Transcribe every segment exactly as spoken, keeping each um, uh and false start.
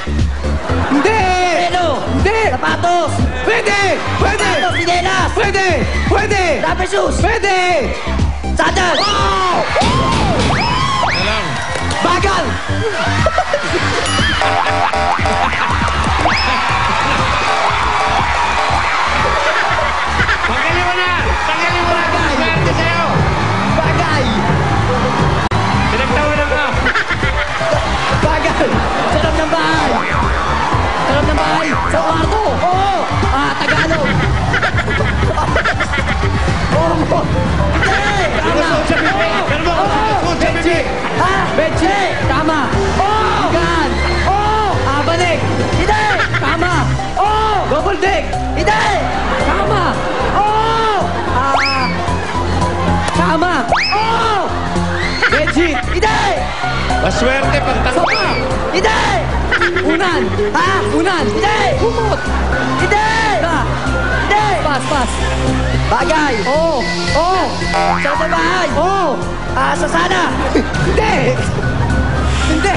Hindi! Pelo. Hindi! Sapatos. Pwede! Pwede! Sapatos, sinelas. Pwede! Pwede! Rubber shoes. Pwede! Sandal. Oh! Ano lang? Bagal! Tanggalin mo na! Tanggalin mo na! Swerte sa'yo! Bagay! Pinagtawanan ka! Bagay! Sa loob ng bahay. Sa loob ng bahay. Sa kwarto. Oo! Ah, Tagalog. Oo! Hindi. Tama. Susunod sa bibig! Pero mo, susunod sa bibig! Ha? Benji! Tama. Oh! Gan. Oh! Ah, balik. Hindi. Tama. Oh! Double deck! Hindi. Tama. Oh! Ah. Tama. Oh! Benji! Hindi. Maswerte pag Sopa. tanggal! Hindi. Unan! Ha? Unan! Hindi. Kumot! Hindi. Na! Hindi. Pass, pass! Bagay. Oh! Oh! Sa loob ng bahay. Oh! Ah, sa sana. Hindi! Hindi!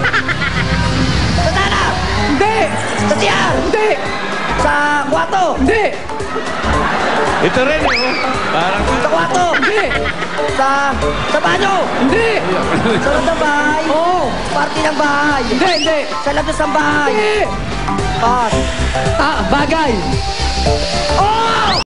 Sa sana. Hindi! Sa siyar. Hindi! Sa kwarto. Hindi! Ito rin eh, oh. Parang Sa kwarto. Hindi! Sa, sa banyo. Hindi! Sa loob ng bahay. Oh! Party ng bahay. Hindi! Hindi! Sa labas ng bahay. Hindi! Pass. Ah, bagay! Oh!